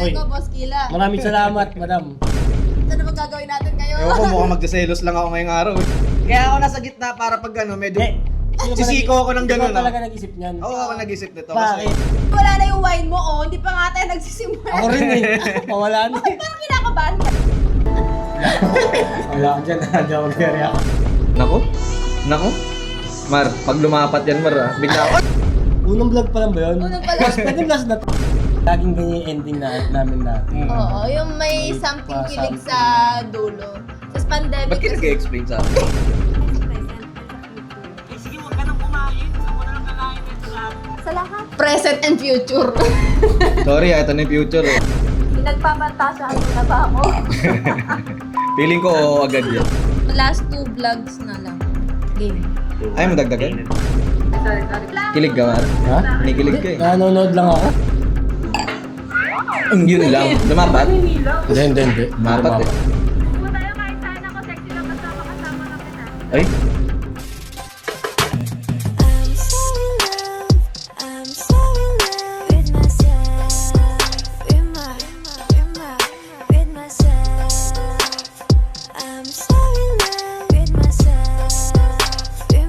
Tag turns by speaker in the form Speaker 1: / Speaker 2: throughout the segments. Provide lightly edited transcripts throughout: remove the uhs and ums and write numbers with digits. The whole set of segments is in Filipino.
Speaker 1: Tatay ko, Boss Kila.
Speaker 2: Maraming salamat, madam.
Speaker 1: Ano bang gagawin natin ngayon?
Speaker 3: Ewan ko, mukhang magdaselos lang ako ngayong araw. Kaya ako nasa gitna para pag ano, medyo sisiko ako ng gano'n.
Speaker 2: Ikaw talaga nag-isip niyan.
Speaker 3: Oo, ako nag-isip nito.
Speaker 2: Bakit?
Speaker 1: Wala na yung wine mo, oh. Hindi pa nga tayo nagsisimula.
Speaker 2: Ako rin eh. Mawala na eh.
Speaker 1: Parang kinakabahan ka.
Speaker 2: Wala ka dyan, hindi ako mag-react.
Speaker 3: Naku? Mar, pag lumapat yan, Mar, bigla ako.
Speaker 2: Unang vlog pa lang ba yun?
Speaker 1: Unang pala.
Speaker 2: Pwede last na to. Laging ganyan yung ending namin dati.
Speaker 1: Oo, yung may something kilig sa dulo. Sa pandemic
Speaker 3: Ba't ka nag-explain sa akin?
Speaker 1: Sa lahat. Present and future.
Speaker 3: Sorry, ito na yung future eh.
Speaker 1: Pinagpapantasyahan mo na ba ako?
Speaker 3: Feeling ko oo agad yan.
Speaker 1: Last 2 vlogs na lang. Game.
Speaker 3: Ay, madagdagan?
Speaker 1: Sorry.
Speaker 3: Kilig ka, Mar?
Speaker 2: Ha?
Speaker 3: Kinikilig ka eh.
Speaker 2: Nanonood lang ako.
Speaker 3: Yun lang. Lumapat?
Speaker 2: Hindi.
Speaker 3: Lumapat eh. Ay?
Speaker 4: I'm so in love with myself, with myself. I'm so in love with myself, with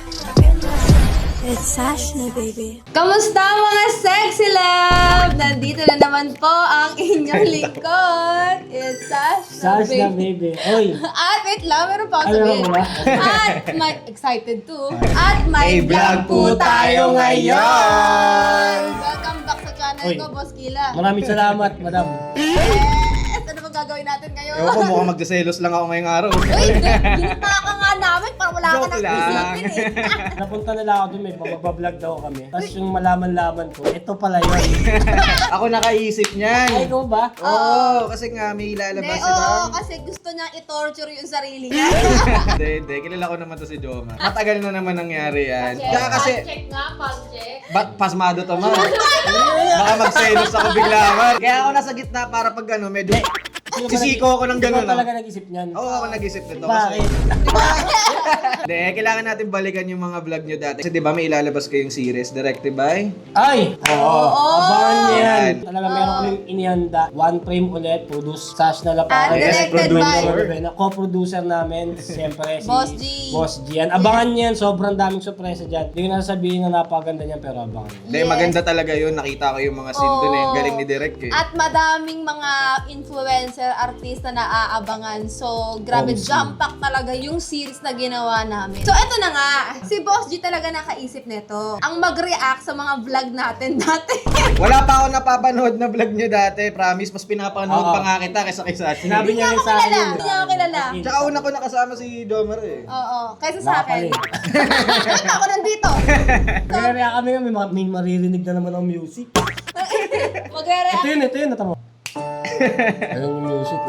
Speaker 4: myself. It's Ashna, baby.
Speaker 1: Kamusta mga sexy love? Nandito na naman po ang inyong lingkod. It's Sash
Speaker 2: Sash na baby. Oy!
Speaker 1: At wait lang, meron pa ako
Speaker 2: Ano
Speaker 1: sabihin.
Speaker 2: ba?
Speaker 1: At may, excited too. At may
Speaker 3: May
Speaker 1: vlog po tayo ngayon.
Speaker 3: ngayon.
Speaker 1: Welcome back sa channel
Speaker 2: Oy.
Speaker 1: ko, Boss Kila.
Speaker 2: Maraming salamat, madam.
Speaker 1: Yes! Ano bang gagawin natin ngayon?
Speaker 3: Ewan ko, mukhang magdaselos lang ako ngayong araw.
Speaker 1: Uy, ginita ka nga namin para wala ka
Speaker 3: Joke
Speaker 1: nang
Speaker 3: lang.
Speaker 1: isipin eh.
Speaker 2: Napunta nila ako dun, may pamabablog daw kami. Tapos yung malaman-laman ko, ito pala yun.
Speaker 3: Ako nakaisip
Speaker 2: Ay,
Speaker 3: niyan.
Speaker 2: ikaw ba?
Speaker 3: Oo, kasi nga may
Speaker 1: Hindi,
Speaker 3: ilalabas
Speaker 1: oo,
Speaker 3: sila.
Speaker 1: kasi gusto niyang i-torture yung sarili niya.
Speaker 3: Hindi. Kilala ko naman to si Joma. Matagal na naman nangyari yan.
Speaker 1: Check,
Speaker 3: Kaya kasi,
Speaker 1: check nga, check.
Speaker 3: pasmado to, Mar. Baka magselos ako bigla, Mar. Kaya ako nasa gitna para pag ano, medyo sisiko ako ng gano'n.
Speaker 2: Ikaw talaga nag-isip niyan.
Speaker 3: Oo, ako nag-isip nito.
Speaker 2: Bakit?
Speaker 3: Hindi, kailangan natin balikan yung mga vlog nyo dati. Kasi di ba may ilalabas kayong series directed by?
Speaker 2: Ay! Oo! Abangan niyo yan!
Speaker 3: Yan.
Speaker 2: Talaga meron kaming inihanda. One frame ulit, produce Sash na Lapay.
Speaker 1: And directed by?
Speaker 2: Co-producer namin, siyempre si
Speaker 1: Boss G.
Speaker 2: Boss G. Yan. Abangan niyo yan, sobrang daming sorpresa dyan. Hindi ko na sabihin na napakaganda niyan, pero abangan niyo.
Speaker 3: Hindi, maganda talaga yun. Nakita ko yung mga scene dun eh.
Speaker 1: Oo.
Speaker 3: Galing ni Direk eh.
Speaker 1: At madaming mga influencer, artista na aabangan. So, grabe,
Speaker 2: Oh,
Speaker 1: jump-pack talaga yung series na ginawa namin. So, eto na nga. Si Boss G talaga nakaisip nito. Ang mag-react sa mga vlog natin dati.
Speaker 3: Wala pa ako napapanood na vlog nyo dati. Promise, mas pinapanood
Speaker 2: Oo.
Speaker 3: pa nga kita kaysa kay Sashi.
Speaker 2: Sinabi
Speaker 1: Hindi
Speaker 2: niya
Speaker 1: niya
Speaker 2: rin
Speaker 1: ako
Speaker 2: sa akin.
Speaker 1: kilala. Hindi niya ako kilala.
Speaker 3: Tsaka una ko nakasama si Domer eh.
Speaker 1: Oo, kaysa sa akin.
Speaker 2: Nakakali.
Speaker 1: Ako nandito.
Speaker 2: Kaya kami may maririnig na naman ang music.
Speaker 1: Mag-react.
Speaker 2: Ito yun, natama. Ayun yung music.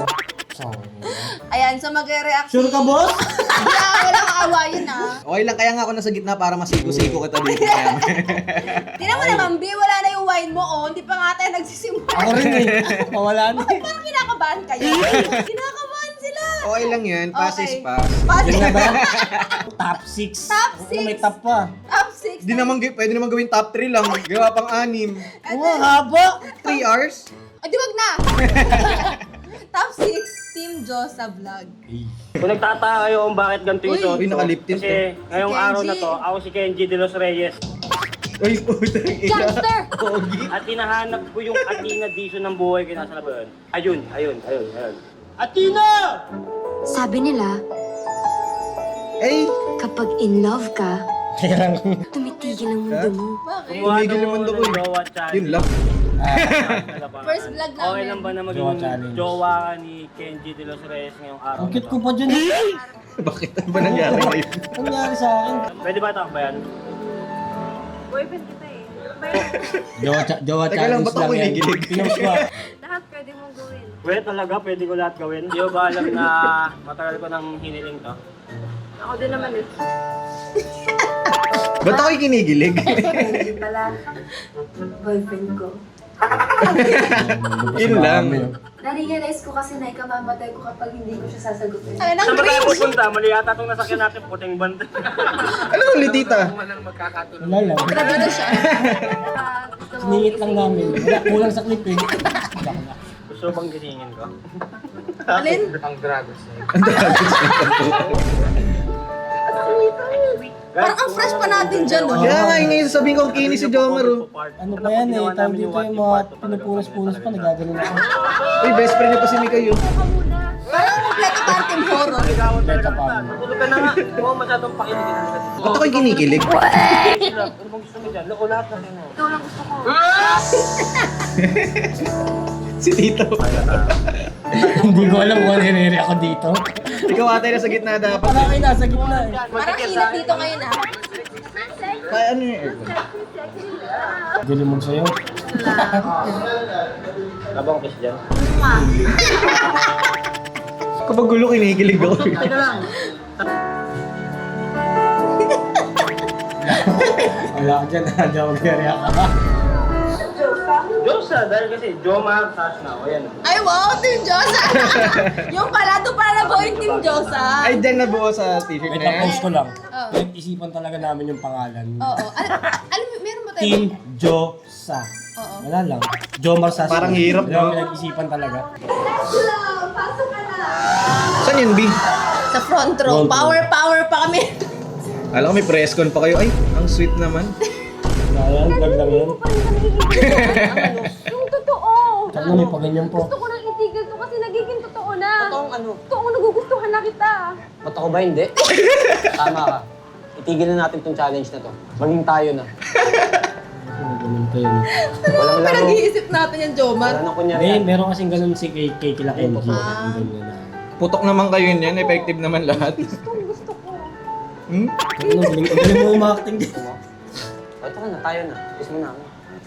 Speaker 1: Ayan, so mag-react
Speaker 2: Sure ka, boss?
Speaker 1: Walang aawayan ah.
Speaker 3: Okay lang, kaya nga ako nasa gitna para masiko-siko kita dito.
Speaker 1: Tingnan mo naman, B, wala na yung wine mo, oh. Hindi pa nga tayo nagsisimula.
Speaker 2: Ako rin eh. Mawala na eh.
Speaker 1: Parang kinakabahan kayo. Kinakabahan sila.
Speaker 3: Okay lang yan, pass is
Speaker 1: Okay.
Speaker 3: pass.
Speaker 1: Pass.
Speaker 2: Yun na ba? Top 6.
Speaker 1: Top
Speaker 2: May
Speaker 1: 6.
Speaker 2: top pa.
Speaker 1: Top 6.
Speaker 3: Di naman, pwede naman gawin top 3 lang. Gawa pang 6.
Speaker 2: Oo, haba.
Speaker 3: 3 hours?
Speaker 1: Di wag na. Top 6, Team Josa Vlog.
Speaker 5: Kung nagtataka kayo kung bakit ganito yung
Speaker 1: Uy.
Speaker 5: suot
Speaker 3: Uy,
Speaker 5: ko,
Speaker 3: nakalip tint
Speaker 5: kasi ngayong
Speaker 1: Si Kenji.
Speaker 5: araw na to, ako si Kenji de los Reyes.
Speaker 3: Uy, putang ina.
Speaker 1: Gangster!
Speaker 3: Pogi.
Speaker 5: At hinahanap ko yung Athena Dizon ng buhay ko. Nasa na ba yun? Ayun. Athena!
Speaker 6: Sabi nila,
Speaker 3: Ay,
Speaker 6: kapag in love ka,
Speaker 2: Kaya
Speaker 6: tumitigil ang mundo mo.
Speaker 1: Bakit?
Speaker 5: Kumuha
Speaker 3: Tumigil
Speaker 5: ng
Speaker 3: yung mundo ko eh.
Speaker 5: Jowa challenge.
Speaker 3: yun lang.
Speaker 1: First vlog namin.
Speaker 5: Okay lang ba na maging
Speaker 2: Jowa challenge.
Speaker 5: jowa ka ni Kenji de los Reyes ngayong araw
Speaker 2: ang
Speaker 5: na
Speaker 2: cute ko
Speaker 5: to?
Speaker 2: pa dyan eh.
Speaker 3: Bakit? Ano ba nangyari ngayon?
Speaker 2: Ang nangyari sa akin.
Speaker 5: Pwede ba takbayan?
Speaker 2: Jowa
Speaker 3: Teka lang, ba't ako
Speaker 2: yan.
Speaker 3: kinikilig?
Speaker 2: Pinost ko.
Speaker 5: Pwede talaga, pwede ko lahat gawin. Hindi ko ba alam na matagal ko nang hiniling to?
Speaker 3: Ba't ako'y kinigilig?
Speaker 6: Hindi pala, boyfriend ko.
Speaker 3: Yun lang.
Speaker 7: Na-realize ko kasi na ikamamatay ko kapag hindi ko siya sasagutin.
Speaker 1: Ano nang
Speaker 5: Saan ba tayo
Speaker 1: cringe?
Speaker 5: pupunta? Mali yata itong nasakyan natin, puting banda.
Speaker 3: Ano ulit, tita?
Speaker 2: Wala lang.
Speaker 1: Grabe na siya.
Speaker 2: Ningit lang namin. Wala, kulang sa clip eh.
Speaker 5: Gusto bang gisingin ko?
Speaker 1: Alin? Parang ang fresh pa natin dyan, no?
Speaker 3: Kaya nga, yung sasabihin ko, kinis si Jomar, oh.
Speaker 2: Ano ba yan eh? Tawag dito yung mga pinupunas-punas pa, nagagaling ako.
Speaker 3: Uy, best friend niya pa si Mika yun.
Speaker 1: Parang kompleto parang team horror.
Speaker 5: Ligawan talaga
Speaker 2: Beta pa.
Speaker 5: kita. Natulog ka na nga. Huwag mo masyadong pakinig.
Speaker 3: Ba't ako'y kinikilig?
Speaker 5: Ano bang gusto mo dyan? Loko lahat na sa'yo.
Speaker 7: Ikaw lang gusto ko.
Speaker 3: Si Tito.
Speaker 2: Hindi ko alam kung ano hiniri ako dito.
Speaker 3: Ikaw ata na sa gitna dapat.
Speaker 2: Parang kayo nasa gitna eh.
Speaker 1: Parang init dito ngayon, ah.
Speaker 3: Kaya ano yung aircon?
Speaker 2: Galing mo sa'yo.
Speaker 5: Labang kiss dyan.
Speaker 3: Kapag gulo, kinikilig ako.
Speaker 2: Wala ka dyan, hindi ako mag-react ka.
Speaker 5: Diyosa, dahil kasi Jomar, Tash na. O yan.
Speaker 1: Ay, wow, Team Josa! Yung pala, doon pala nabuo yung Team Josa.
Speaker 3: Ay, dyan nabuo sa t-shirt
Speaker 2: Wait
Speaker 3: na
Speaker 2: lang,
Speaker 3: yan.
Speaker 2: post ko lang.
Speaker 1: Oo.
Speaker 2: Nag-isipan talaga namin yung pangalan.
Speaker 1: Oo. Alam mo, meron ba tayo?
Speaker 2: Team Josa.
Speaker 1: Oo.
Speaker 2: Wala lang. Jomar Sas.
Speaker 3: Parang hirap,
Speaker 2: Wala
Speaker 3: no?
Speaker 2: nag-isipan talaga.
Speaker 1: Pasok ka na!
Speaker 3: Saan yun, B?
Speaker 1: Sa front row.
Speaker 2: Front row.
Speaker 1: Power pa kami.
Speaker 3: Alam ko may press con pa kayo. Ay, ang sweet naman.
Speaker 2: Wala yan, vlog lang yan.
Speaker 7: Yung totoo.
Speaker 2: Tsaka may paganyan po.
Speaker 7: Gusto ko nang itigil to kasi nagiging totoo na.
Speaker 8: Totoong ano?
Speaker 7: Totoong nagugustuhan na kita.
Speaker 8: Ba't ako ba hindi? Tama ka. Itigil na natin tong challenge na to. Maging tayo na.
Speaker 2: Ganun pa yun.
Speaker 8: Walang laro.
Speaker 1: Pinag-iisip natin yung Jomar.
Speaker 8: Wala nang kunyari.
Speaker 2: Hindi, meron kasing ganun si kay Kila Kenji.
Speaker 1: Ah.
Speaker 2: Ganun na.
Speaker 3: Putok naman kayo yun yan. Effective naman lahat.
Speaker 7: Gusto ko.
Speaker 3: Hmm?
Speaker 2: Ano, galing mo umakting din.
Speaker 8: O, ito ka na, tayo na. Kiss mo na ako.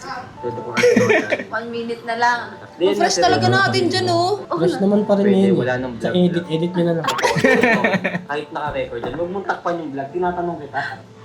Speaker 7: 1 minute na lang.
Speaker 1: Ang fresh talaga natin dyan, oh.
Speaker 2: Fresh naman pa rin
Speaker 5: Pwede,
Speaker 2: yun.
Speaker 5: wala nang
Speaker 2: Sa
Speaker 5: vlog.
Speaker 2: edit nyo na lang.
Speaker 5: Kahit naka-record yan, huwag mong takpan yung vlog. Tinatanong kita.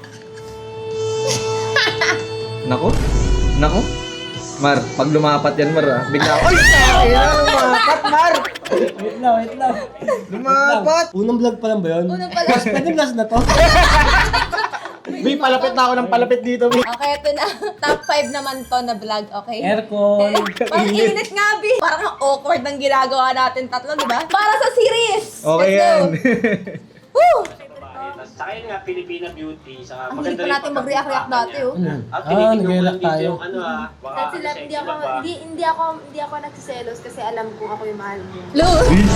Speaker 3: Nako? Nako? Mar, pag lumapat yan, Mar, ah. Bigla ako. Ay, kaya lumapat, Mar!
Speaker 2: Wait lang, wait lang.
Speaker 3: Lumapat!
Speaker 2: Unang vlog pa lang ba yun?
Speaker 1: Unang pala.
Speaker 2: Pwede last na to?
Speaker 3: May palapit na ako ng palapit dito, Bi.
Speaker 1: Okay, ito na. Top 5 naman to na vlog, okay?
Speaker 2: Aircon.
Speaker 1: Parang init nga, Bi. Parang ang awkward ng ginagawa natin tatlo, di ba? Para sa series!
Speaker 3: Okay
Speaker 1: Let's
Speaker 3: yan.
Speaker 1: go! Woo!
Speaker 5: Saka yun nga, Filipina beauty. Saka
Speaker 1: Ang hindi pa natin mag-react dati, oh.
Speaker 2: Ano?
Speaker 5: Ah,
Speaker 2: nag-react tayo.
Speaker 5: Ano ah, baka
Speaker 7: Kasi sila,
Speaker 5: sexy
Speaker 7: hindi ako,
Speaker 5: ba?
Speaker 7: hindi ako nagsiselos kasi alam kong ako yung mahal mo.
Speaker 1: Lu!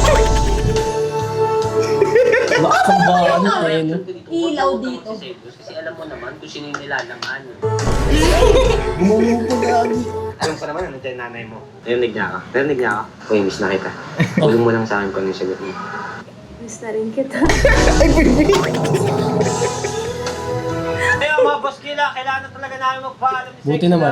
Speaker 2: Lakas ang ba? Ano pa yun?
Speaker 1: Ilaw dito.
Speaker 5: Kasi alam mo naman kung sino yung nilalaman.
Speaker 2: Gumulong po gagi.
Speaker 5: Alam ko naman, ano dyan nanay mo. Narinig niya ka. Narinig niya ka. Uy, miss na kita. Tulong mo lang sa akin kung ano yung sagot mo.
Speaker 7: Miss na rin kita.
Speaker 5: Kaya mga boss, kailangan na talaga namin magpaalam ni
Speaker 2: Buti naman.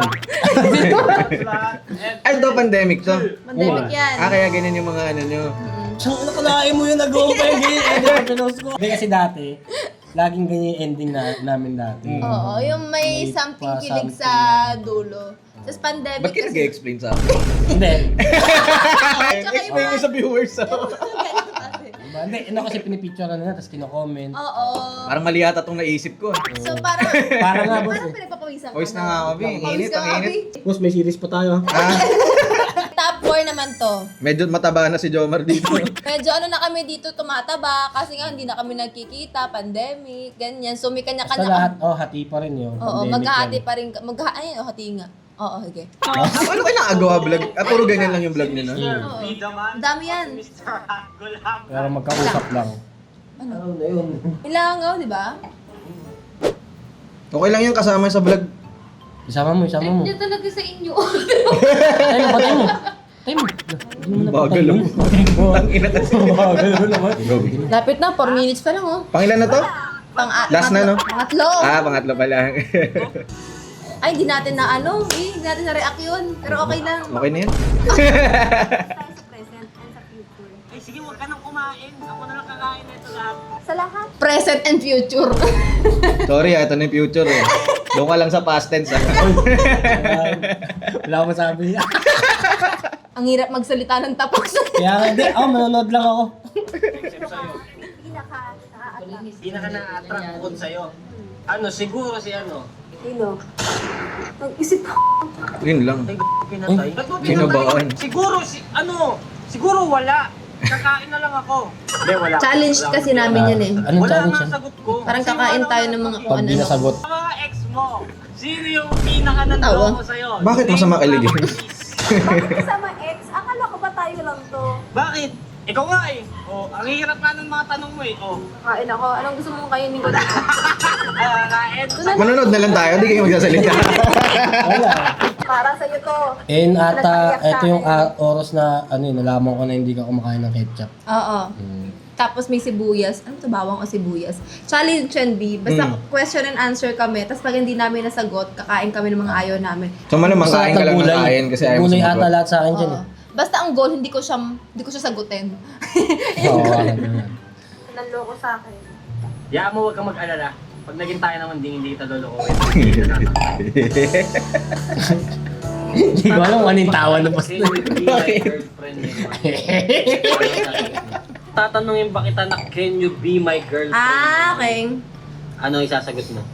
Speaker 3: Ay, ito pandemic to.
Speaker 1: Pandemic yan.
Speaker 3: Ah, kaya ganyan yung mga ano nyo.
Speaker 2: Siyang nakalain mo yun, nag-go pa yung ganyan ending na pinost ko. Hindi kasi dati, laging ganyan yung ending namin dati.
Speaker 1: Oo, yung may
Speaker 2: May
Speaker 1: something
Speaker 2: pa-
Speaker 1: kilig
Speaker 2: something.
Speaker 1: sa dulo. Tapos pandemic
Speaker 3: Ba't ka nag-explain sa akin?
Speaker 2: Hindi.
Speaker 1: Tsaka yung
Speaker 3: Explain mo sa viewers, oh.
Speaker 1: Ganun kasi.
Speaker 2: Diba? Hindi, ano kasi pinipicture na, tapos kino-comment.
Speaker 1: Oo.
Speaker 3: Parang mali yata itong naisip ko.
Speaker 1: So parang,
Speaker 2: Para nga, boss.
Speaker 1: parang
Speaker 2: eh.
Speaker 1: pinagpapawisan ka.
Speaker 3: Voice na nga ako, Bi. Ang
Speaker 1: Pawis
Speaker 3: init,
Speaker 1: ka
Speaker 3: ang
Speaker 1: nga,
Speaker 3: init.
Speaker 1: Bi.
Speaker 2: Boss, may series pa tayo.
Speaker 3: Ah,
Speaker 1: Top 4 naman to.
Speaker 3: medyo mataba na si Jomar dito.
Speaker 1: Medyo ano na kami dito tumataba kasi nga hindi na kami nagkikita, pandemic, ganyan. So may
Speaker 2: Basta
Speaker 1: kanya-kanya.
Speaker 2: lahat, hati pa rin yun.
Speaker 1: Oo,
Speaker 2: Pandemic
Speaker 1: maghahati
Speaker 2: yan.
Speaker 1: pa rin. Ayun, hati nga. Oo, sige.
Speaker 3: Ano kayo nakagawa vlog? Ah, puro ganyan lang yung vlog nyo, no?
Speaker 1: Oo. Ang dami yan.
Speaker 2: Pero magkausap lang.
Speaker 1: Ano?
Speaker 2: na yun?
Speaker 1: Ilangaw, di ba?
Speaker 3: Okay lang yung kasama sa vlog.
Speaker 2: Isama mo, isama mo.
Speaker 7: Hindi talaga sa inyo.
Speaker 2: Tayo mo, patay mo. Tayo mo. Hindi mo
Speaker 3: Bagal
Speaker 2: napatay
Speaker 3: mo.
Speaker 2: yun.
Speaker 3: Ang ina kasi.
Speaker 2: Bagal mo naman.
Speaker 1: Lapit na, 4 minutes pa lang, oh.
Speaker 3: Pangilan na to? Last na, no?
Speaker 1: Pangatlo.
Speaker 3: Ah, pangatlo pa lang.
Speaker 1: Ay, hindi natin na ano, hindi natin na react yun. Pero okay lang.
Speaker 3: Okay na yan?
Speaker 7: Present and sa future.
Speaker 5: Ay, sige, huwag ka nang kumain. Ako na lang kakain na ito lahat.
Speaker 7: Sa lahat.
Speaker 1: Present and future.
Speaker 3: Sorry, ito na yung future eh. Doon ka lang sa past tense. Ah.
Speaker 2: Wala akong masabi.
Speaker 1: Ang Ang hirap magsalita ng tapos.
Speaker 2: Kaya nga, hindi. Ako, manonood lang ako.
Speaker 5: Pinaka na-attract bukod sa'yo. Ano, siguro si ano?
Speaker 7: Sino? Nag-isip ako.
Speaker 3: Yun lang.
Speaker 5: Ay, pinatay. Ba't mo
Speaker 3: Kinabaan.
Speaker 5: pinatay? Siguro, siguro wala. Kakain na lang ako. Hindi, wala.
Speaker 1: Challenge kasi namin yan eh.
Speaker 2: Anong
Speaker 5: Wala
Speaker 2: challenge
Speaker 5: nga
Speaker 2: yan?
Speaker 5: sagot ko.
Speaker 1: Parang kakain tayo ng mga
Speaker 2: Pag di nasagot.
Speaker 5: Sa mga ex mo, sino yung pinaka nanloko sa'yo?
Speaker 3: Bakit masama kiligin?
Speaker 7: Bakit kasama ex? Akala ko ba tayo lang to?
Speaker 5: Bakit? Ikaw nga eh. Oh, ang hirap nga ng mga tanong mo eh. Oh.
Speaker 7: Kain ako. Anong gusto mong kainin ko dito?
Speaker 5: Kain.
Speaker 3: Manonood na lang tayo, hindi kayo magsasalita.
Speaker 2: Wala.
Speaker 7: Para sa'yo to.
Speaker 2: And ata, ito yung oras na, ano yun, nalaman ko na hindi ka kumakain ng ketchup.
Speaker 1: Oo. Tapos may sibuyas. Ano to, bawang o sibuyas? Challenge yan, B. Basta question and answer kami. Tapos pag hindi namin nasagot, kakain kami ng mga ayaw namin.
Speaker 3: So malamang
Speaker 2: Basta
Speaker 3: kain ka lang ng
Speaker 2: gulay.
Speaker 3: kain kasi ayaw mo
Speaker 2: Gulay ata
Speaker 3: sumagot.
Speaker 2: lahat sa akin dyan
Speaker 1: Oo. Basta ang goal, hindi ko siya sagutin.
Speaker 2: eh. Oo, ganyan.
Speaker 7: Nanloko sa akin.
Speaker 5: Yaan mo, huwag kang mag-alala. Pag naging tayo naman, hindi kita lolokohin.
Speaker 2: Hindi ko alam kung ano yung tawa na
Speaker 5: Kasi hindi my girlfriend Tatanungin ba kita na, can you be my girlfriend?
Speaker 1: Okay.
Speaker 5: Ano isasagot mo?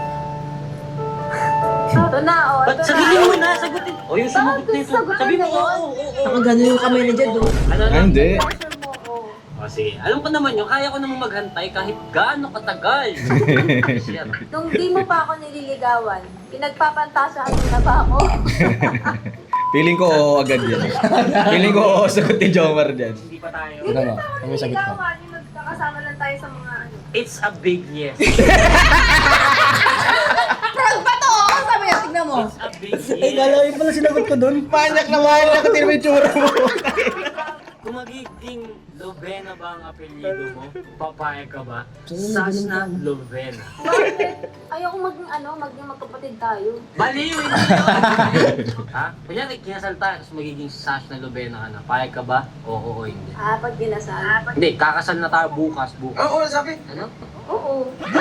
Speaker 7: Ito na, oh.
Speaker 5: Ba't
Speaker 7: Ito
Speaker 5: sabihin
Speaker 7: na.
Speaker 5: mo na, sagutin? O yung sumagot na ito.
Speaker 7: Sagutin
Speaker 5: Sabihin mo,
Speaker 7: na yun.
Speaker 5: oo.
Speaker 1: Ang gano'n yung kamay ni Jed, oh.
Speaker 5: Ano
Speaker 3: Ah,
Speaker 5: na?
Speaker 3: hindi.
Speaker 7: Pressure mo, oh.
Speaker 5: O sige, alam ko naman yun. Kaya ko namang maghantay kahit gaano katagal. Shit.
Speaker 7: Nung di mo pa ako nililigawan, pinagpapantasyahan mo na ba ako?
Speaker 3: Feeling ko oo agad yan. Feeling ko oo sagot ni Jomar dyan.
Speaker 5: Hindi pa tayo.
Speaker 2: Ano ba? Kami sagot ko.
Speaker 7: Nililigawan, yung nagkakasama lang tayo sa mga ano.
Speaker 5: It's a big yes.
Speaker 1: Prog ba to? Sabi niya, tignan mo.
Speaker 5: It's a big
Speaker 2: Ay,
Speaker 5: yes.
Speaker 2: galawin pala sinagot ko doon.
Speaker 3: Manyak na manyak, tingnan mo yung tsura mo.
Speaker 5: Kung magiging Lovena ba ang apelyido mo, papayag ka ba?
Speaker 2: Sino
Speaker 5: Sasna Lovena.
Speaker 7: Bakit? Ayoko maging magkapatid tayo.
Speaker 5: Baliw, hindi yun. Ha? Kunyari, kinasal tayo, tapos magiging Sasna Lovena ka na. Payag ka ba? Oo o hindi.
Speaker 7: Pag ginasal.
Speaker 5: Hindi, kakasal na tayo bukas. Oo, sabi. Ano?
Speaker 7: Oo.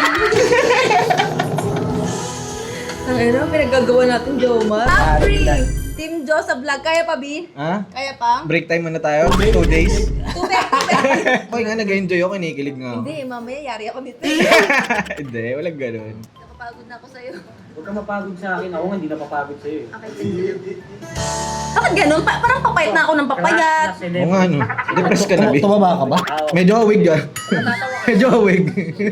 Speaker 1: Ang ano, pinagagawa natin, Jomar. Top 3! Team Jo sa vlog. Kaya pa, B?
Speaker 3: Ha?
Speaker 1: Kaya pa?
Speaker 3: Break time muna tayo? 2 days?
Speaker 1: Tubig!
Speaker 3: Okay nga, nag-enjoy ako, kinikilig nga ako.
Speaker 1: Hindi, mamaya yari ako dito.
Speaker 3: Hindi, walang ganun.
Speaker 1: Nakapagod na ako sa'yo.
Speaker 5: Huwag ka mapagod sa akin. Ako nga hindi napapagod sa'yo eh.
Speaker 1: Okay, sige. Bakit ganun? Parang papayat na ako ng papayat.
Speaker 3: Oo nga, no. Depressed ka na, Bi.
Speaker 2: Tumaba ka ba?
Speaker 3: Medyo awig ka. Medyo awig.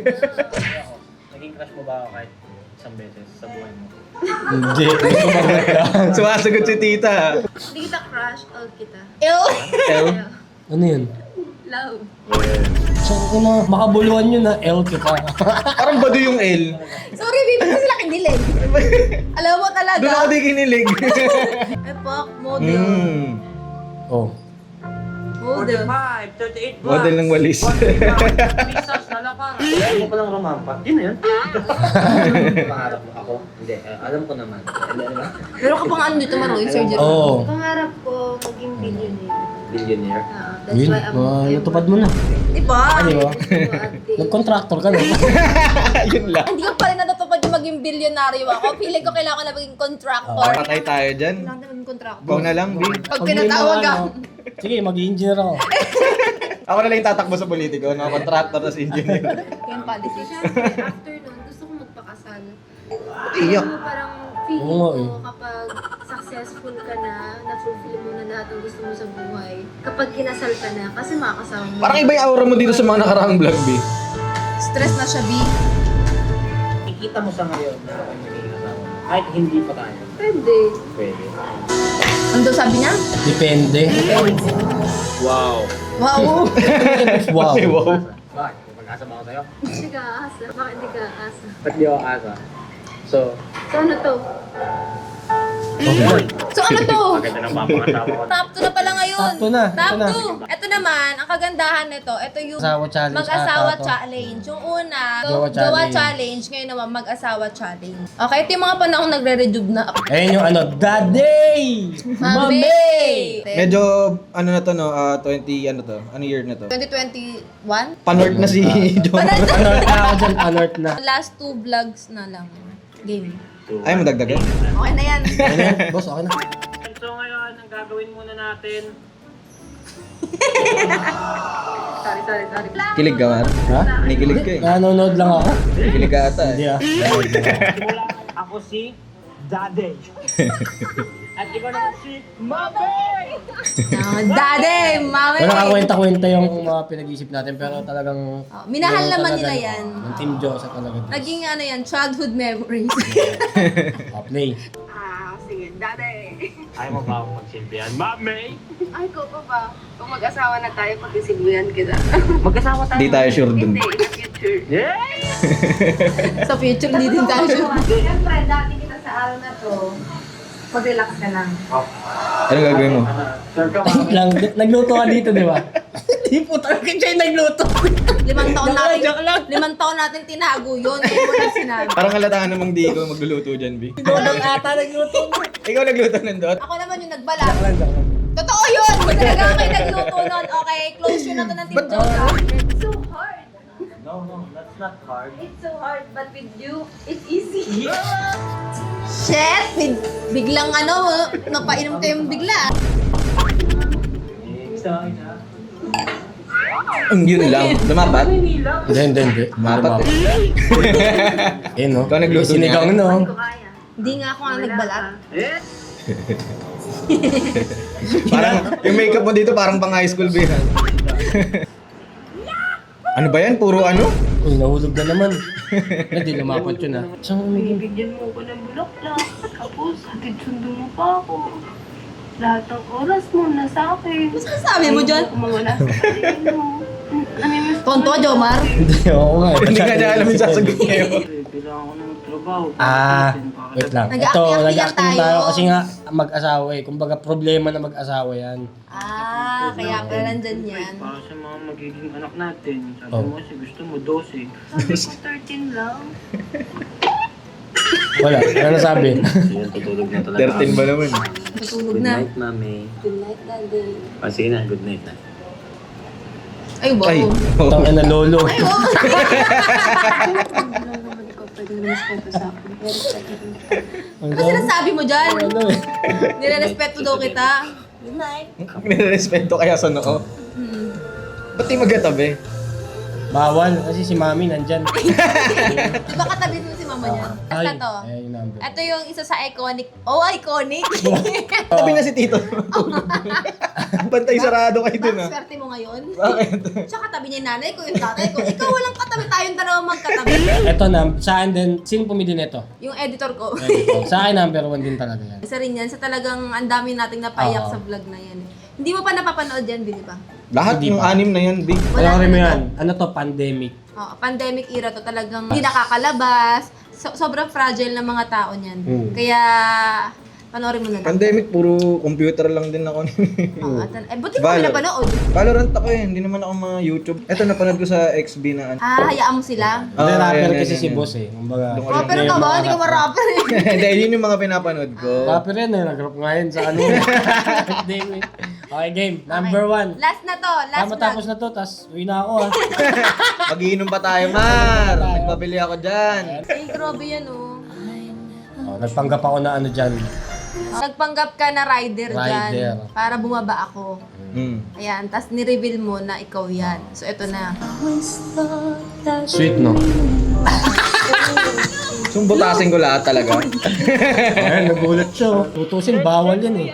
Speaker 5: Naging crush mo ba ako kahit isang beses sa buhay mo?
Speaker 2: Hindi. Sumagot ka.
Speaker 3: Sumasagot si tita.
Speaker 7: Hindi kita crush, all kita.
Speaker 1: Ew!
Speaker 3: Ew.
Speaker 2: Ano yun?
Speaker 7: Love.
Speaker 2: So, ano, makabuluhan yun na L kita.
Speaker 3: Parang bado yung L.
Speaker 1: Sorry, baby, kasi sila kinilig. Alam mo talaga.
Speaker 3: Doon ako di kinilig.
Speaker 1: Epoch, model.
Speaker 2: Oh.
Speaker 1: Model.
Speaker 5: 45, 38 bucks.
Speaker 3: Model ng walis.
Speaker 5: Pisas na lapar. Alam mo palang rumampa. Yun na yun. Pangarap mo ako? Hindi, alam ko naman.
Speaker 1: Pero ka pang ano dito, Maroy, surgery.
Speaker 2: Oo.
Speaker 7: Pangarap ko maging billionaire.
Speaker 5: Billionaire.
Speaker 7: That's
Speaker 2: Yun,
Speaker 7: why I'm
Speaker 2: natupad mo na.
Speaker 1: Di ba?
Speaker 2: Di ba?
Speaker 7: ate.
Speaker 2: Nag-contractor ka na.
Speaker 3: Yun lang.
Speaker 1: Hindi ko pa rin natutupad yung maging bilyonaryo ako. Feeling ko kailangan ko na maging contractor.
Speaker 3: Patay tayo dyan.
Speaker 1: Kailangan na maging contractor.
Speaker 3: Ikaw na lang, Bi.
Speaker 1: Pag pinatawag ka.
Speaker 2: Sige, mag-engineer ako.
Speaker 3: Ako na lang yung tatakbo sa politiko, no? Contractor as engineer.
Speaker 1: Yung policy.
Speaker 7: Siyempre, after nun, gusto ko magpakasal.
Speaker 3: Iyak.
Speaker 7: Ano, parang feeling
Speaker 2: Oo nga,
Speaker 7: ko kapag successful ka na, na-fulfill mo na lahat ng gusto mo sa buhay, kapag kinasal ka na, kasi makakasama mo.
Speaker 3: Parang iba yung aura mo dito sa mga nakaraang vlog, Bi.
Speaker 1: Stress na siya, B.
Speaker 5: Ikita mo sa ngayon na ako yung magiging asawa mo. Kahit hindi pa tayo.
Speaker 7: Pwede.
Speaker 5: Pwede.
Speaker 1: Ano daw sabi niya?
Speaker 2: Depende.
Speaker 5: Wow.
Speaker 1: Wow.
Speaker 2: Wow.
Speaker 3: Ay, wow.
Speaker 5: Bakit? Pag-asa ba ako sa'yo?
Speaker 7: Hindi ka aasa. Bakit hindi ka aasa?
Speaker 5: Ba't di ako asa? So,
Speaker 7: So ano to?
Speaker 1: So ano to?
Speaker 5: maganda ng papangasawa ko.
Speaker 1: Top 2 na pala ngayon.
Speaker 2: Top 2 na.
Speaker 1: Top
Speaker 2: Ito na.
Speaker 1: 2. Ito naman, ang kagandahan nito, ito yung
Speaker 2: Asawa challenge
Speaker 1: mag-asawa
Speaker 2: ata to.
Speaker 1: challenge. Yung una,
Speaker 2: Jowa
Speaker 1: jowa
Speaker 2: challenge.
Speaker 1: challenge. Ngayon naman, mag-asawa challenge. Okay, ito yung mga panahon nagre-rejuve na ako.
Speaker 2: Ayun yung ano, Daddy!
Speaker 1: Mami!
Speaker 3: Medyo, ano na to, no? 20, ano to? Ano year na to?
Speaker 1: 2021?
Speaker 3: Panort na si John.
Speaker 2: Anort na ako dyan, anort na.
Speaker 1: Last 2 vlogs na lang. Game.
Speaker 3: Ay, madagdagan.
Speaker 1: Okay na yan.
Speaker 2: Ano yan? Boss, okay na.
Speaker 5: So ngayon, ang gagawin muna natin,
Speaker 7: Sorry.
Speaker 3: Kilig ka, Mar?
Speaker 2: Ha?
Speaker 3: Kinikilig ka eh.
Speaker 2: Nanonood lang ako.
Speaker 3: Kilig ka ata
Speaker 2: Hindi
Speaker 3: eh.
Speaker 2: ah.
Speaker 5: simula ako si Daddy. At ikaw naman si Mabay!
Speaker 1: Daddy, mami.
Speaker 2: Wala kakwenta-kwenta yung mga pinag-iisip natin pero talagang...
Speaker 1: Oh, minahal
Speaker 2: yung
Speaker 1: naman
Speaker 2: talagang,
Speaker 1: nila yan.
Speaker 2: Yung Team Diyosa talaga.
Speaker 1: Naging ano yan, childhood memories.
Speaker 2: Play.
Speaker 7: Sige, Daddy.
Speaker 5: Ayaw mo ba akong magsilbihan? Mami!
Speaker 7: Ay, ko pa ba? Kung mag-asawa na tayo, pag-isibuyan kita.
Speaker 5: Magkasama tayo.
Speaker 3: Di tayo sure dun.
Speaker 7: Hindi, in the future.
Speaker 5: Yeah!
Speaker 1: Sa future, hindi din tayo sure.
Speaker 7: Siyempre, dati kita sa araw na to, mag-relax ka lang.
Speaker 3: Anong gagawin mo?
Speaker 5: Sure ka ba?
Speaker 2: Lang, nagluto ka dito, di ba? Hindi po talaga siya yung nagluto.
Speaker 1: 5 taon natin tinago yun. Kaya mo lang sinabi.
Speaker 3: Parang halatahan namang di ikaw magluluto dyan, B.
Speaker 2: Walang ata nagluto.
Speaker 3: Ikaw nagluto nandot?
Speaker 1: Ako naman yung nagbalak. Totoo yun! Talaga kayo nagluto nun. Okay, close yun na to ng Team Josa.
Speaker 7: It's so hard.
Speaker 5: No, that's not hard.
Speaker 7: It's so hard, but with you, it's easy.
Speaker 1: Shit! Biglang napainom kayong bigla.
Speaker 5: Isa.
Speaker 3: Yun lang. Lumapat?
Speaker 2: Hindi.
Speaker 3: Lumapat eh.
Speaker 2: Eh no?
Speaker 3: Ikaw nagluto
Speaker 2: Sinigang
Speaker 3: niya.
Speaker 2: no?
Speaker 7: Ko kaya.
Speaker 1: Hindi nga ako nga nagbalak.
Speaker 3: Parang yung makeup mo dito parang pang high school, B. Ano ba yan? Puro ano?
Speaker 2: Uy, nahulog na naman. Hindi, lumapot yun ah. Saan umigil?
Speaker 7: Bibigyan mo ko ng bulaklak. Tapos, hatid sundo mo pa ako. Lahat ng oras mo nasa akin.
Speaker 1: Ano sabi mo dyan?
Speaker 7: Ayaw ko mawala sa paligid mo. Namimiss ko
Speaker 1: Tonto,
Speaker 7: na-
Speaker 1: Jomar.
Speaker 2: Hindi, oo nga.
Speaker 3: Hindi ka niya alam yung sasagot niya.
Speaker 5: Kailangan ko ng trabaho.
Speaker 2: Wait lang. Ito,
Speaker 1: Nag-acting
Speaker 2: nag-acting
Speaker 1: tayo.
Speaker 2: tayo kasi nga mag-asawa eh. Kumbaga problema na mag-asawa yan.
Speaker 1: Kaya pala nandyan yan.
Speaker 5: Para sa mga magiging anak natin. Sabi
Speaker 2: Oh.
Speaker 5: mo kasi gusto mo 12.
Speaker 7: Sabi ko 13 lang.
Speaker 2: Wala, ano nasabi?
Speaker 5: Yan, tutulog na talaga.
Speaker 3: 13 ba naman?
Speaker 1: Tutulog na.
Speaker 5: mami.
Speaker 7: Good night, Daddy.
Speaker 5: Sige na, good night na.
Speaker 1: Ay, wow.
Speaker 3: Ay.
Speaker 2: Tang na lolo.
Speaker 1: Ay, wow.
Speaker 7: Alam naman ikaw pwede na respeto sa akin. Very respectful.
Speaker 1: Ano sinasabi mo dyan?
Speaker 2: Ano eh?
Speaker 1: Nire-respeto daw kita. Good night.
Speaker 3: Nirerespeto kaya sa noo. Ba't di magkatabi?
Speaker 2: Bawal, kasi si mami nandyan.
Speaker 1: Diba katabi mo si mama niya? Basta to.
Speaker 2: Ay, yung number.
Speaker 1: Ito yung isa sa iconic. Oh, iconic!
Speaker 3: Tabi na si Tito. Bantay sarado kayo dun ah.
Speaker 1: Bakit swerte mo ngayon?
Speaker 3: Bakit?
Speaker 1: Siya katabi niya yung nanay ko, yung tatay ko. Ikaw walang katabi, tayong dalawa magkatabi.
Speaker 2: Ito na, sa akin din, sino pumili nito?
Speaker 1: Yung editor ko.
Speaker 2: Sa akin number 1 din talaga yan.
Speaker 1: Isa rin yan, sa talagang ang dami nating napaiyak
Speaker 2: Oo.
Speaker 1: sa vlog na yan. Hindi mo pa napapanood yan, Billy pa?
Speaker 3: Lahat
Speaker 2: Hindi
Speaker 3: yung
Speaker 2: pa.
Speaker 3: 6 na yan, B.
Speaker 1: Wala
Speaker 2: Wala rin mo
Speaker 1: na
Speaker 2: yan. Ano to, pandemic.
Speaker 1: Oh, pandemic era to talagang hindi nakakalabas. Sobrang fragile ng mga tao niyan. Kaya panoorin mo na lang.
Speaker 3: Pandemic, puro computer lang din ako.
Speaker 1: Buti mo napanood.
Speaker 3: Valorant ako eh, hindi naman ako mga YouTube. Ito napanood ko sa XB na ano.
Speaker 1: Hayaan mo sila.
Speaker 2: Hindi,
Speaker 3: Ah,
Speaker 2: rapper
Speaker 3: yan,
Speaker 2: kasi
Speaker 3: yan,
Speaker 2: si
Speaker 3: yan.
Speaker 2: boss eh. Kumbaga,
Speaker 1: Rapper ka ba? Hindi ka ma-rapper eh.
Speaker 3: Hindi, yun yung mga pinapanood ko.
Speaker 2: rapper yan eh. Nag-rap ngayon sa ano. Pandemic. Okay, game. Number 1.
Speaker 1: Last na to. Last vlog.
Speaker 2: Matapos na to, tas uwi na ako ah.
Speaker 3: Mag-iinom pa tayo, Mar. Nagpabili ako dyan.
Speaker 1: Ay, grabe yan oh.
Speaker 2: Nagpanggap ako na ano dyan.
Speaker 1: Nagpanggap ka na rider dyan
Speaker 2: Rider.
Speaker 1: para bumaba ako. Ayan, tas ni-reveal mo na ikaw yan. So, eto na.
Speaker 2: Sweet no?
Speaker 3: Sumbutasin ko lahat talaga.
Speaker 2: Ayan, nagulat siya oh. Tutusin, bawal yan eh.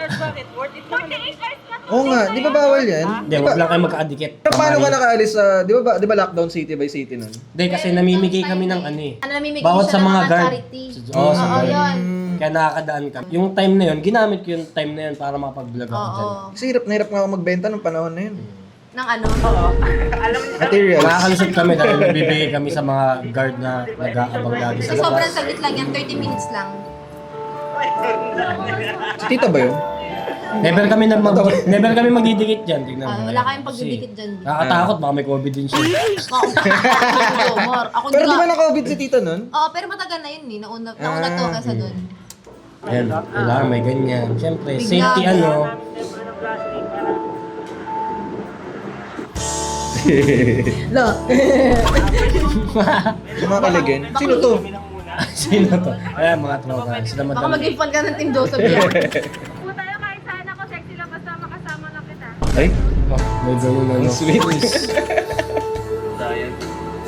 Speaker 3: Oo nga, di ba bawal yan?
Speaker 2: Hindi, wag lang kayo magkaadikit.
Speaker 3: Pero paano ka nakaalis sa, di ba lockdown city by city nun?
Speaker 2: Hindi, kasi namimigay kami ng ano eh.
Speaker 1: Ano, namimigay
Speaker 2: Bawat
Speaker 1: siya
Speaker 2: sa
Speaker 1: ng
Speaker 2: mga guard.
Speaker 1: charity.
Speaker 2: Oo, sa
Speaker 1: Oo,
Speaker 2: guard.
Speaker 1: yun.
Speaker 2: Kaya nakakadaan kami. Yung time na yun, ginamit ko yung time na yun para makapag-vlog ako dyan.
Speaker 1: Oo.
Speaker 3: Kasi hirap na hirap nga ako magbenta nung panahon na yun.
Speaker 1: Nang ano?
Speaker 3: Materials.
Speaker 2: Nakakalusot kami dahil nagbibigay kami sa mga guard na nag-aabang lagi sa
Speaker 1: So, sobrang
Speaker 2: labas.
Speaker 1: saglit lang yan. 30 minutes lang.
Speaker 3: Si Tita ba yun?
Speaker 2: Never kami magdidikit dyan. Tignan mo.
Speaker 1: Wala kayong
Speaker 2: Kasi
Speaker 1: pagdidikit dyan.
Speaker 2: Nakakatakot, baka may COVID din siya.
Speaker 1: Mar. Ako
Speaker 3: Pero
Speaker 1: hindi
Speaker 3: di ba
Speaker 1: ka.
Speaker 3: na-COVID si Tita nun?
Speaker 1: Oo, pero matagal na yun eh. Nauna to kaysa doon.
Speaker 2: Ayan, wala, may ganyan. Siyempre,
Speaker 1: Bigla.
Speaker 2: safety ano.
Speaker 1: Lo.
Speaker 3: Sumakaligen. Sino to?
Speaker 2: Sino to? Ayan, mga tropa. Sila
Speaker 1: Baka
Speaker 2: madami.
Speaker 1: mag-infant ka ng Team Joseph yan.
Speaker 7: Po tayo kahit
Speaker 3: Ay,
Speaker 2: May ganun ano.
Speaker 3: sweet.
Speaker 5: Sayang.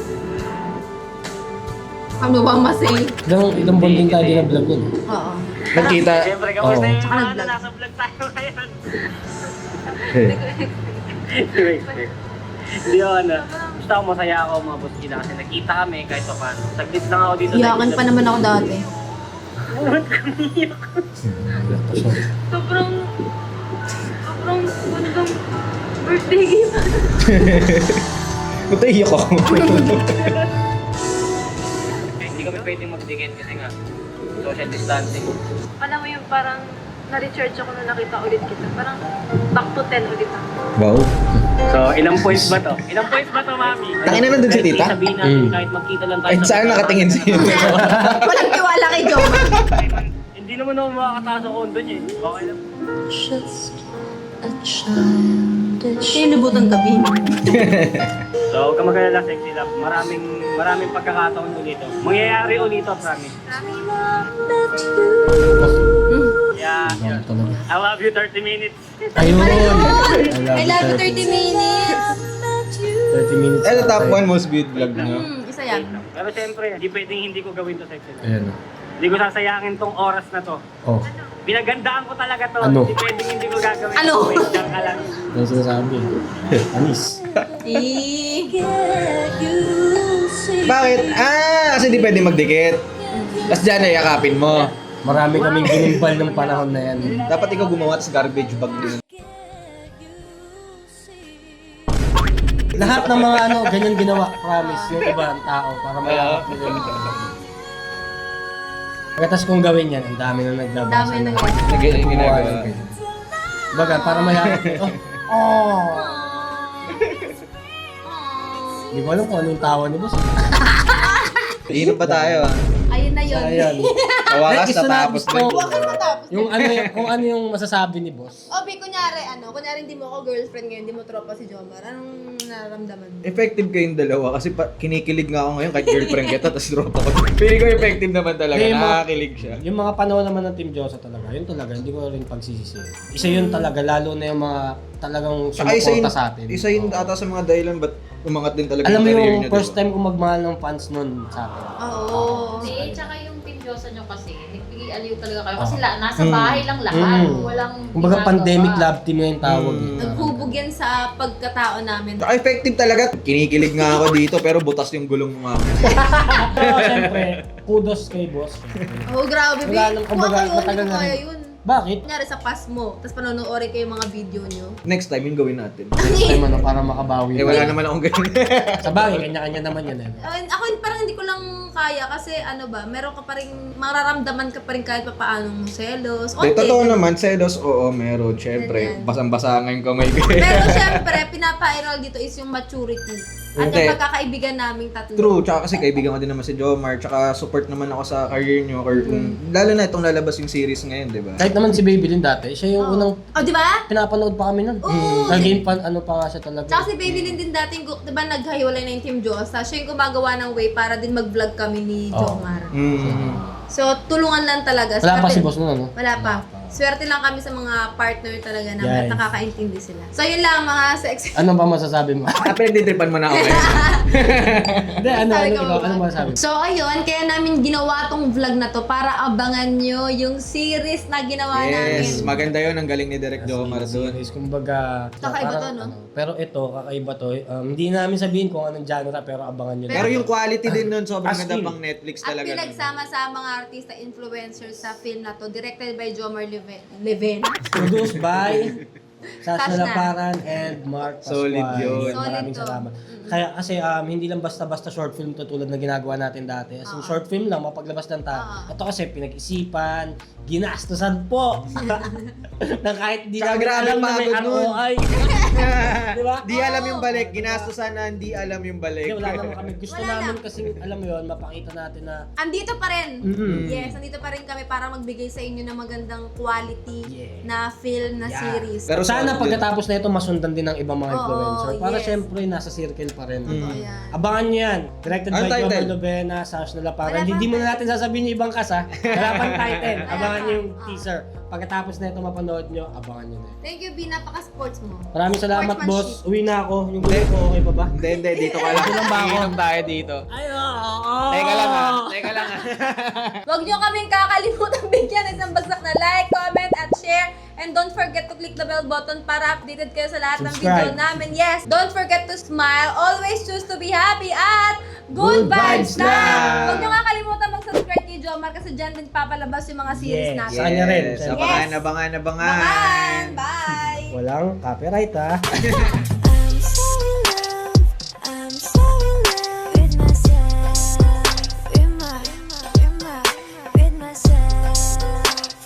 Speaker 1: Ano ba masay?
Speaker 2: Ilang buwan din tayo din na vlog yun.
Speaker 1: Oo.
Speaker 3: Nagkita.
Speaker 5: Siyempre, kamusta
Speaker 2: Oo.
Speaker 5: yung
Speaker 1: Tsaka
Speaker 5: mga
Speaker 1: nag-vlog.
Speaker 5: nasa vlog tayo ngayon? Hindi ako ano. Basta ako masaya ako mga boss gila kasi nakita kami kahit pa paano. Saglit lang ako dito.
Speaker 1: Iyakan pa naman ako dati.
Speaker 7: Sobrang gandang birthday gift.
Speaker 3: Ba't iyak ako?
Speaker 5: Hindi kami pwedeng magdikit kasi nga social distancing.
Speaker 7: Alam mo yung parang na-recharge ako na nakita ulit kita. Parang back to 10 ulit ako.
Speaker 3: Wow.
Speaker 5: So, ilang points ba to? Ilang points ba to, mami?
Speaker 3: Tangin na nandun si tita?
Speaker 5: Sabihin natin kahit magkita lang tayo
Speaker 3: Ay, saan nakatingin sa'yo?
Speaker 1: Walang tiwala kay Joma.
Speaker 5: Hindi naman ako makakataas ako doon eh. Okay lang.
Speaker 1: Sinibutan gabi.
Speaker 5: So, huwag ka mag-alala, sexy love. Maraming pagkakataon ulit. Mangyayari ulit, promise. Yeah.
Speaker 2: Talaga.
Speaker 5: I love you 30 minutes.
Speaker 2: Ayun!
Speaker 1: I love you 30 minutes.
Speaker 2: 30 minutes.
Speaker 3: Ano top 1 most viewed vlog nyo?
Speaker 1: Isa yan.
Speaker 5: Pero siyempre, hindi pwedeng hindi ko gawin to, sexy love.
Speaker 2: Ayan o.
Speaker 5: Hindi ko sasayangin tong oras na to.
Speaker 2: Oh,
Speaker 5: Pinagandaan ko talaga to.
Speaker 2: Ano?
Speaker 5: Hindi pwedeng hindi ko gagawin.
Speaker 1: Ano?
Speaker 5: Wait lang ka lang.
Speaker 2: ano sinasabi? Anis.
Speaker 3: Bakit? Kasi di pwede magdikit. Tapos dyan ay yakapin mo.
Speaker 2: Marami kaming ginimbal ng panahon na yan.
Speaker 3: Dapat ikaw gumawa sa garbage bag din.
Speaker 2: Lahat ng mga ano, ganyan ginawa, promise, yung ibang tao para mayakap nila yung pagkatas kong gawin yan, ang dami na naglabas.
Speaker 1: Dami na
Speaker 3: Ginagawa.
Speaker 2: Baga, para mayakap nila. Oh! Hindi ko alam kung anong tawa ni boss.
Speaker 3: Iinom pa tayo
Speaker 1: Ayun na yun.
Speaker 2: Ayan.
Speaker 3: Tawakas
Speaker 2: Gusto na,
Speaker 3: tapos
Speaker 2: gusto.
Speaker 1: Huwag kang matapos.
Speaker 2: Yung ano, kung ano yung masasabi ni boss.
Speaker 1: Obi, kunyari hindi mo ako girlfriend ngayon, hindi mo tropa si Jomar. Anong nararamdaman mo?
Speaker 3: Effective kayong dalawa kasi kinikilig nga ako ngayon kahit girlfriend kita tapos tropa ko. Feeling ko effective naman talaga,
Speaker 2: Hindi,
Speaker 3: nakakakilig siya.
Speaker 2: Yung mga panahon naman ng Team Josa talaga, yun talaga, hindi ko rin pagsisisi. Isa yun talaga, lalo na yung mga talagang
Speaker 3: Saka isa yun,
Speaker 2: sumuporta sa atin.
Speaker 3: isa yun ata sa mga dahilan ba't umangat din talaga
Speaker 2: Alam mo
Speaker 3: career
Speaker 2: yung
Speaker 3: niya,
Speaker 2: first
Speaker 3: diba?
Speaker 2: time ko magmahal ng fans nun sa atin.
Speaker 1: Oo.
Speaker 9: Hindi, tsaka yung Team Diyosa nyo kasi, nagpili-aliw talaga kayo. Kasi nasa bahay lang lahat. Walang
Speaker 2: Kumbaga
Speaker 9: ginagawa.
Speaker 2: pandemic love team nga yung tawag.
Speaker 1: Naghubog yan sa pagkatao namin.
Speaker 3: Saka effective talaga. Kinikilig nga ako dito pero butas yung gulong mo nga.
Speaker 2: Pero syempre, kudos kay boss.
Speaker 1: Oh, grabe,
Speaker 2: Wala
Speaker 1: Bi.
Speaker 2: nang
Speaker 1: Kung
Speaker 2: kumbaga,
Speaker 1: ako yun,
Speaker 2: matagal
Speaker 1: hindi ko
Speaker 2: na
Speaker 1: kaya
Speaker 2: rin.
Speaker 1: yun.
Speaker 2: Bakit?
Speaker 1: Kunyari sa pass mo, tapos panonoorin kayo yung mga video nyo.
Speaker 3: Next time, yung gawin natin.
Speaker 2: Next time ano, para makabawi.
Speaker 3: Wala naman akong ganun.
Speaker 2: Sa bagay, kanya-kanya naman yan eh.
Speaker 1: Ako parang hindi ko lang kaya kasi meron ka pa rin, mararamdaman ka pa rin kahit pa paano mong selos.
Speaker 3: De, totoo naman, selos, oo, meron. Siyempre,
Speaker 1: Ganyan.
Speaker 3: basang-basa nga yung kamay ko.
Speaker 1: Pero syempre, pinapa-enroll dito is yung maturity. At
Speaker 3: Hindi.
Speaker 1: yung pagkakaibigan naming tatlo.
Speaker 3: True, tsaka kasi kaibigan ko din naman si Jomar, tsaka support naman ako sa career nyo. Lalo na itong lalabas yung series ngayon, di ba?
Speaker 2: Kahit naman si Babylin dati, siya yung unang
Speaker 1: Oh, di ba?
Speaker 2: pinapanood pa kami nun. Naging fan, ano pa nga siya talaga.
Speaker 1: Tsaka si Babylin din dating, di ba naghahiwalay na yung Team Josa, siya yung gumagawa ng way para din mag-vlog kami ni Jomar. So, tulungan lang talaga.
Speaker 2: Wala pa
Speaker 1: Swerte-
Speaker 2: si boss nun, ano?
Speaker 1: Wala pa. Swerte lang kami sa mga partner talaga na
Speaker 2: Yes.
Speaker 1: nakakaintindi sila. So, yun lang mga sex.
Speaker 2: Ano ba masasabi mo?
Speaker 3: Pinagditripan mo na ako ngayon.
Speaker 2: Hindi, ano,
Speaker 1: Sabi
Speaker 2: ano,
Speaker 1: ko
Speaker 2: ikaw,
Speaker 1: ba?
Speaker 2: ano masasabi mo?
Speaker 1: So, ayun, kaya namin ginawa tong vlog na to para abangan nyo yung series na ginawa namin.
Speaker 3: Yes, maganda yun. Ang galing ni Direk Jomar doon.
Speaker 2: Series, kumbaga...
Speaker 1: Kakaiba
Speaker 2: parang,
Speaker 1: to, no?
Speaker 2: pero ito, kakaiba to. Hindi namin sabihin kung anong genre, pero abangan nyo.
Speaker 3: Pero yung quality din nun, sobrang
Speaker 2: As
Speaker 3: ganda
Speaker 2: in.
Speaker 3: pang Netflix
Speaker 1: At
Speaker 3: talaga.
Speaker 1: pinagsama sa mga artista, influencers sa film na to, directed by Jomar Leven.
Speaker 2: Produced by Sasha
Speaker 1: Sasha.
Speaker 2: Laparan and Mark Pascual.
Speaker 3: Solid yun.
Speaker 2: Maraming
Speaker 1: Solid to.
Speaker 2: salamat. Kaya kasi hindi lang basta-basta short film to tulad na ginagawa natin dati. As in, short film lang, mapaglabas ng tao. Ito kasi pinag-isipan, ginastusan po. na kahit di
Speaker 3: Tsaka
Speaker 2: namin
Speaker 3: grabe
Speaker 2: alam na may
Speaker 3: pagod nun.
Speaker 2: ROI. Di ba?
Speaker 3: Di alam yung balik. Ginastusan na hindi alam yung balik.
Speaker 2: Hindi, wala naman kami. Gusto
Speaker 1: Wala
Speaker 2: namin
Speaker 1: na.
Speaker 2: kasi, alam mo yun, mapakita natin na
Speaker 1: Andito pa rin.
Speaker 2: Mm-mm.
Speaker 1: Yes, andito pa rin kami para magbigay sa inyo ng magandang quality
Speaker 2: Yeah.
Speaker 1: na film, na
Speaker 2: Yeah.
Speaker 1: series.
Speaker 3: Pero
Speaker 2: sana
Speaker 3: solid
Speaker 2: pagkatapos na ito, masundan din ng ibang mga
Speaker 1: Oo,
Speaker 2: influencer. Para
Speaker 1: yes.
Speaker 2: syempre, nasa circle pa rin.
Speaker 1: Totoo yan.
Speaker 2: Abangan nyo yan. Directed
Speaker 3: Anong
Speaker 2: by
Speaker 3: title?
Speaker 2: Jomar Lovena, Sash na
Speaker 1: Wala
Speaker 2: Laparan.
Speaker 1: pang
Speaker 2: Hindi mo na natin sasabihin yung ibang kasa. Wala pang title. Abangan nyo yung teaser. pagkatapos na ito mapanood nyo, abangan nyo na.
Speaker 1: Thank you, B. Napaka-sports mo.
Speaker 2: Maraming salamat, boss.
Speaker 1: Sportsmanship.
Speaker 2: Uwi na ako. Yung gulo ko, okay pa ba?
Speaker 3: Hindi, dito ka lang.
Speaker 2: Dito lang ba ako?
Speaker 3: Iinom tayo dito.
Speaker 2: Ay, oo.
Speaker 3: Teka lang ha. Teka lang ha.
Speaker 1: Huwag nyo kaming kakalimutan bigyan ng isang bagsak na like, comment, at share. And don't forget to click the bell button para updated kayo sa lahat ng video
Speaker 2: Subscribe.
Speaker 1: namin. Yes, don't forget to smile. Always choose to be happy at good
Speaker 2: Good
Speaker 1: vibes
Speaker 2: vibes
Speaker 1: lang!
Speaker 2: lang!
Speaker 1: Huwag nyo kakalimutan mag-subscribe kay Jomar kasi dyan din papalabas yung mga series
Speaker 2: Yes.
Speaker 1: natin.
Speaker 2: Sa kanya rin.
Speaker 3: Yes, abangan.
Speaker 1: Abangan! Bye!
Speaker 2: Walang copyright, ha?